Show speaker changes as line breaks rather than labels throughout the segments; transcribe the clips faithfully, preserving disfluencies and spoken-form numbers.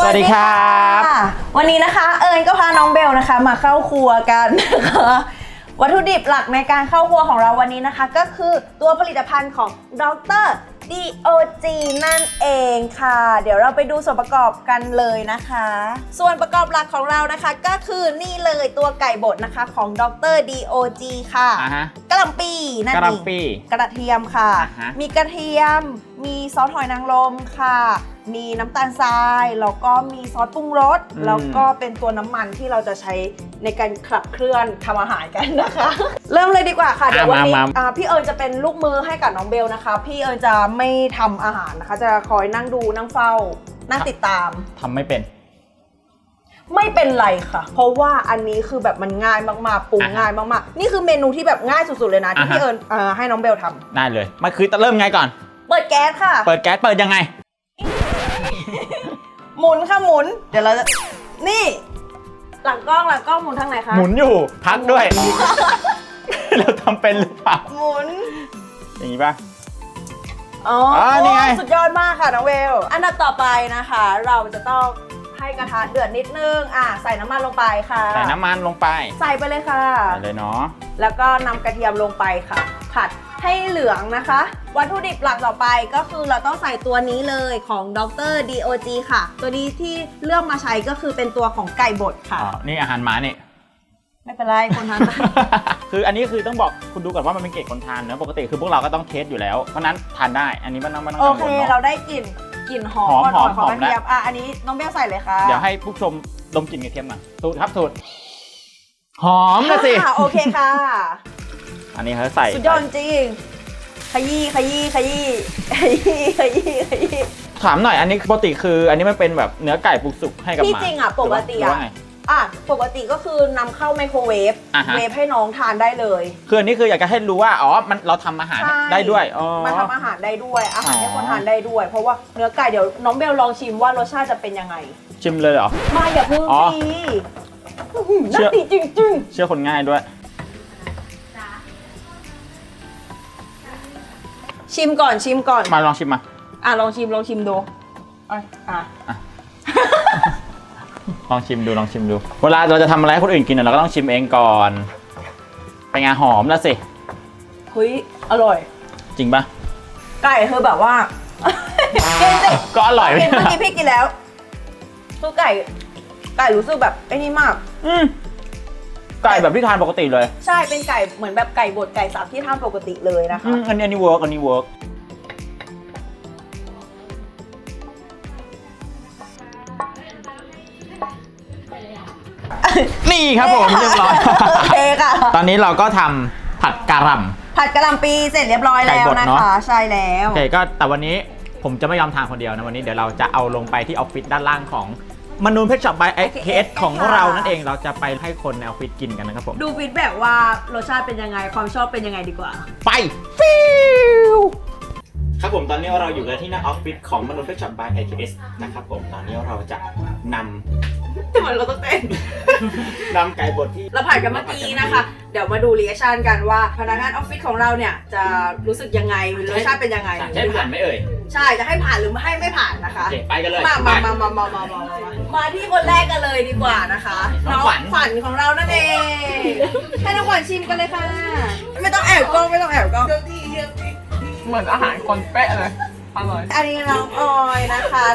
สวัสดีครับ
วันนี้นะคะเอิญก็พาน้องเบลนะคะมาเข้าครัวกันนะคะวัตถุดิบหลักในการเข้าครัวของเราวันนี้นะคะก็คือตัวผลิตภัณฑ์ของดร ดี โอ จี นั่นเองค่ะเดี๋ยวเราไปดูส่วนประกอบกันเลยนะคะส่วนประกอบหลักของเรานะคะก็คือนี่เลยตัวไก่บดนะคะของดร ดี โอ จี ค่ะ
uh-huh.
กะหล่ำปีนั่นเอง
กะหล่ำปี
กระเทียมค่ะ
uh-huh.
มีกระเทียมมีซอสหอยนางรมค่ะมีน้ำตาลทรายแล้วก็มีซอสปรุงรสแล้วก็เป็นตัวน้ำมันที่เราจะใช้ในการขับเคลื่อนทำอาหารกันนะคะ เริ่มเลยดีกว่าค่ะเดี๋ยววันนี้พี่เอิญจะเป็นลูกมือให้กับน้องเบลนะคะพี่เอิญจะไม่ทำอาหารนะคะจะคอยนั่งดูนั่งเฝ้านั่งติดตาม
ทำไม่เป็น
ไม่เป็นไรค่ะเพราะว่าอันนี้คือแบบมันง่ายมากๆปรุงง่ายมากๆนี่คือเมนูที่แบบง่ายสุดๆเลยนะที่พี่เอิญให้น้องเบลทำ
ได้เลยมันคือจะเริ่มไงก่อน
เปิดแก๊สค่ะ
เปิดแก๊สเปิดยังไง
หมุนค่ะหมุนเดี๋ยวเราจะนี่หลังกล้องหลังกล้องหมุนทางไหนคะ
หมุนอยู่พักด้วยเราทำเป็นหรือเปล่า
หมุน
อย่างนี้ป่ะ
อ๋อนี่ไงสุดยอดมากค่ะน้องเวลอันดับต่อไปนะคะเราจะต้องให้กระทะเดือดนิดนึงอ่ะใส่น้ำมันลงไปค่ะ
ใส่น้ำมันลงไป
ใส่ไปเลยค่ะ
ใส่เลยเนาะ
แล้วก็นำกระเทียมลงไปค่ะผัดให้เหลืองนะคะวัตถุดิบหลักต่อไปก็คือเราต้องใส่ตัวนี้เลยของดร ดี โอ จี ค่ะตัวนี้ที่เลือกมาใช้ก็คือเป็นตัวของไก่บดค่ะ
อ๋อนี่อาหารหมาเนี่ย
ไม่เป็นไรคนทาน
คืออันนี้คือต้องบอกคุณดูก่อนว่ามันเป็นเกรดคนทานเนอะปกติคือพวกเราก็ต้องเทสอยู่แล้วเพราะนั้นทานได้อันนี้ไม่ต้องไม่ต้องกังวลเนาะ
โอเคเราได้กลิ่นกลิ่นหอมหอมของกระเทียมอ่ะอันนี้น้องเบลใส่เลยค่ะ
เดี๋ยวให้ผู้ชมดมกลิ่นกระเทียมหน่อยสูตรครับสูตรหอมนะสิ
โอเคค่ะ
อันนี้เขาใส่
สุดยอดจริงขยี้ขยี้ขยี้ขยี้ขยี้ขยี้
ถามหน่อยอันนี้ปกติคืออันนี้มันเป็นแบบเนื้อไก่ปรุงสุกให้กับหมา
ที่จริงอ่ะปกติอ่ะอ่ะปกติก็คือนำเข้าไมโครเวฟเวฟให้น้องทานได้เลย
คืออันนี้คืออยากจะให้รู้ว่าอ๋อมันเราทำอาหารได้ด้วยอ๋อ
มาทำอาหารได้ด้วยอาหารให้คนทานได้ด้วยเพราะว่าเนื้อไก่เดี๋ยวน้องเบลลองชิมว่ารสชาติจะเป็นยังไง
ชิมเลยเหรอ
มาอย่าเพิ่งสิน่าดีจริงๆ
เชื่อคนง่ายด้วย
ชิมก่อนชิมก่อน
มาลองชิมมา
อ่ะลองชิมลองชิมดูอ่ะอ่ะ
ลองชิมดูลองชิมดูเวลาเราจะทำอะไรให้คนอื่นกินเราก็ต้องชิมเองก่อนเป็นไงหอมแล้วสิ
เฮ้ยอร่อย
จริงปะ
ไก่คือแบบว่า
ก็อร่อย
เมื่อกี้พี่กินแล้วคือไก่ไก่รู้สึกแบบไอ้นี่มาก
อืมไก่แบบที่ทานปกติเลย
ใช่เป็นไก่เหมือนแบบไก่บดไก่สับที่ทานปกติเลยนะคะ
อันนี้อันนี้เวิร์กอันนี้เวิร์กนี่ครับผมเรียบร้อย
โอเคค่ะ
ตอนนี้เราก็ทำผัดกะหล่ำ
ผัดกะหล่ำปีเสร็จเรียบร้อยแล้วนะคะใช่แล้ว
โอเคก็แต่วันนี้ผมจะไม่ยอมทานคนเดียวนะวันนี้เดี๋ยวเราจะเอาลงไปที่ออฟฟิศด้านล่างของมนูนเพชรช็อปบาย เอ เค เอส ของเรานั่นเองเราจะไปให้คนในออฟฟิศกินกันนะครับผม
ดูฟีดแบ็กว่ารสชาติเป็นยังไงความชอบเป็นยังไงดีกว่า
ไปฟิวครับผมตอนนี้เราอยู่กันที่หน้าออฟฟิศของมนูนเพชรช็อปบาย เอ เค เอส นะครับผมตอนนี้เราจะนำ
ทำไมเราต้องเต้น
นำไก่บดที่
เราผัดกันเมื่อกี้นะคะเดี๋ยวมาดูรีแอคชั่นกันว่าพนักงานออฟฟิศของเราเนี่ยจะรู้สึกยังไงรสชาติเป็นยังไง
จะให้ผ่านไหมเอ่ย
ใช่จะให้ผ่านหรือไม่ให้ไม่ผ่านนะคะ
ไปกันเลย
มามามามามามามามาที่คนแรกกันเลยดีกว่านะคะน้องขวัญของเรานั่นเองให้น้องขวัญชิมกันเลยค่ะไม่ต้องแอบกล้องไม่ต้องแอบกล้อง
เหมือนอาหารคนเป๊ะเลยอร่อย
อันนี้น้องออยนะคะ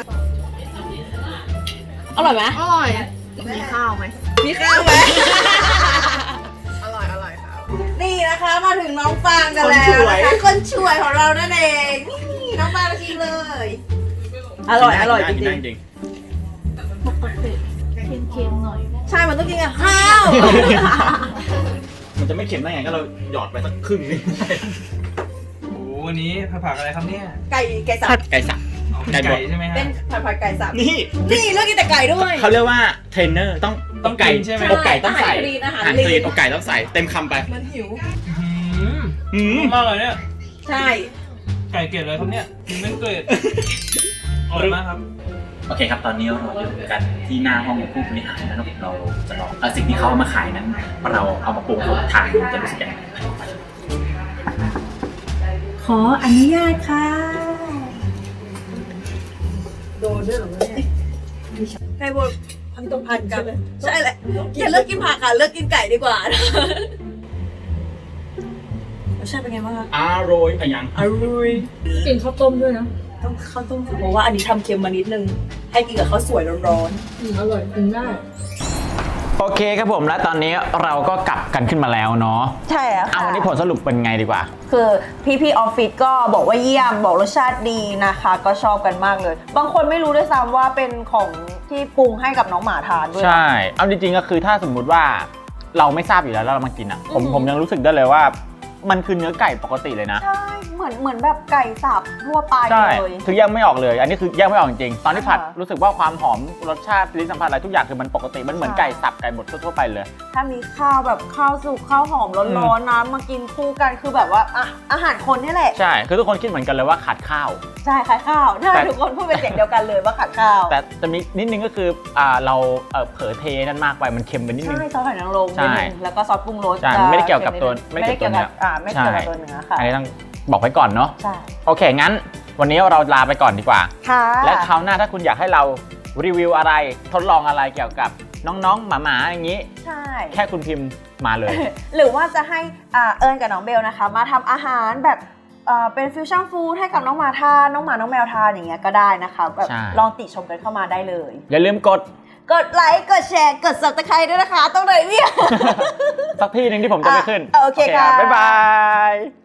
อร่อยไหม
อร่อยมีข้าวไหม
มีข้าวไหม
อร่อยอร่อยครับ
นี่นะคะมาถึงน้องฟางกันแล้วนะคะคนช่วยของเรานั่นเองนี่น้องฟางชิมเลยอร่อยอร่อยจริง
ๆปกติเค็มๆหน่อย
ใช่มันต้องกินกับข้าว
มันจะไม่เค็มได้ไงก็เราหยอดไปสักครึ่งนึง
โอ้วันนี้ผัดอะไรครับเนี่ย
ไก่ไก่สับ
ไก่สับ
ไก่ใช่ไหมฮะ
เป็นผัดผัดไก่สับ
นี่
นี่เลือกกินแต่ไก่ด้วย
เขาเรียกว่าเทรนเนอร์ต้องต้องไก่
ใช่ไหม
อกไก่ต้องใส่อาหารคลีนอกไก่ต้องใส่เต็มคำไป
มันหิว
หืมมากเลยเนี่ย
ใช่
ไก่เกล็ดเลยครับเนี่ยกินไม่เกล็ดอร่อยมากครับ
โอเคครับตอนนี้เราอยู่กันที่หน้าห้องผู้บริหารนะครับเราจะลองเอาสิ่งที่เขาเอามาขายนั้นเราเอามาปรุงทานจะรู้สึกยังไง
ขออนุญาตค่ะโดนด้วยเหรอเนี่ยไก่บดพันต้องพันกันใช่แหละอย่าเลิกกินผักค่ะเลิกกินไก่ดีกว่ารสชาติเป็นไงบ้างคะ
อร่อยอย่าง
อร่อย
กินข้าวต้มด้วยนะ
ต้องข้าวต้มเพราะว่าอันนี้ทำเค็มมานิดนึงให้กินกับข้าวสวยร้อน
อืมอร่อยกินได้
โอเคครับผมและตอนนี้เราก็กลับกันขึ้นมาแล้วเนาะ
ๆใช่แล้ว
เอา
ค่ะ
วันนี้ผลสรุปเป็นไงดีกว่า
คือพี่ๆออฟฟิศก็บอกว่าเยี่ยมบอกรสชาติดีนะคะ ก็ชอบกันมากเลย บางคนไม่รู้ด้วยซ้ำว่าเป็นของที่ปรุงให้กับน้องหมาทานด้วยนะ
ใช่ เอาจริงๆก็คือถ้าสมมุติว่าเราไม่ทราบอยู่แล้วแล้วเรามากินอ่ะ ผม
อืม
ผมยังรู้สึกได้เลยว่า มันคือเนื้อไก่ปกติเลยนะ
ใช่เหมือนเหมือนแบบไก่สับทั่วไป
ใช่
เลย
คือแยกไม่ออกเลย อันนี้คือแยกไม่ออกจริงๆ ตอนที่ผัด
อ่า
รู้สึกว่าความหอมรสชาติลิ้นสัมผัสอะไรทุกอย่างคือมันปกติ มันเหมือน
ใช่
ไก่สับไก่บดทั่วๆไปเลย
ถ้ามีข้าวแบบข้าวสุกข้าวหอมร้อนๆนะมากินคู่กันคือแบบว่าอ่ะอาหารคนนี่แหละ
ใช่ คือทุกคนคิดเหมือนกันเลยว่าขาดข้าว
ใช่ขายข้าวใช่
แต่
ทุกคนพูดเป็นเสียงเดียวกันเลยว่าขาดข้าว
แต่จะมีนิดนึงก็คืออ่าเราเอ่อเผลอเทนั่นมากไป มันเค็มไปนิดนึง
ใช่ซอสหอยนางรม
ใช่
นิดนึงแล้วก็ซอสปรุงรส
ใช่
จะ
ไม่ได้เกี่ยวกับตัว
ค็นิดนึง
ไม่ได้เกี่ยวกับ
อ่าไม่เกี่ยวกับ
ใช่
ตัวเนื้อค่ะ
อันนี้ต้องบอกไว้ก่อนเนาะ
ใช่
โอเค งั้นวันนี้เราลาไปก่อนดีกว่า
ค่ะ
และคราวหน้าถ้าคุณอยากให้เรารีวิวอะไร ทดลองอะไรเกี่ยวกับน้องๆ หมาๆ อย่างนี้
ใช่
แค่คุณพิมพ์มาเลย
หรือว่าจะให้อ่าเอิญกับน้องเบลนะคะ มาทำอาหารแบบเอ่อเป็นฟิวชั่นฟู้ดให้กับน้องหมาทานน้องหมาน้องแมวทานอย่างเงี้ยก็ได้นะคะแบบ
ใช่
ลองติชมกันเข้ามาได้เลย
อย่าลืมกด
กดไลค์กดแชร์กด ซับสไครบ์ ด้วยนะคะต้องเลยเนี่ย
สักที่หนึ่งที่ผมจะไม่ขึ้น
อ่ะโอเคค่ะ
บ๊ายบาย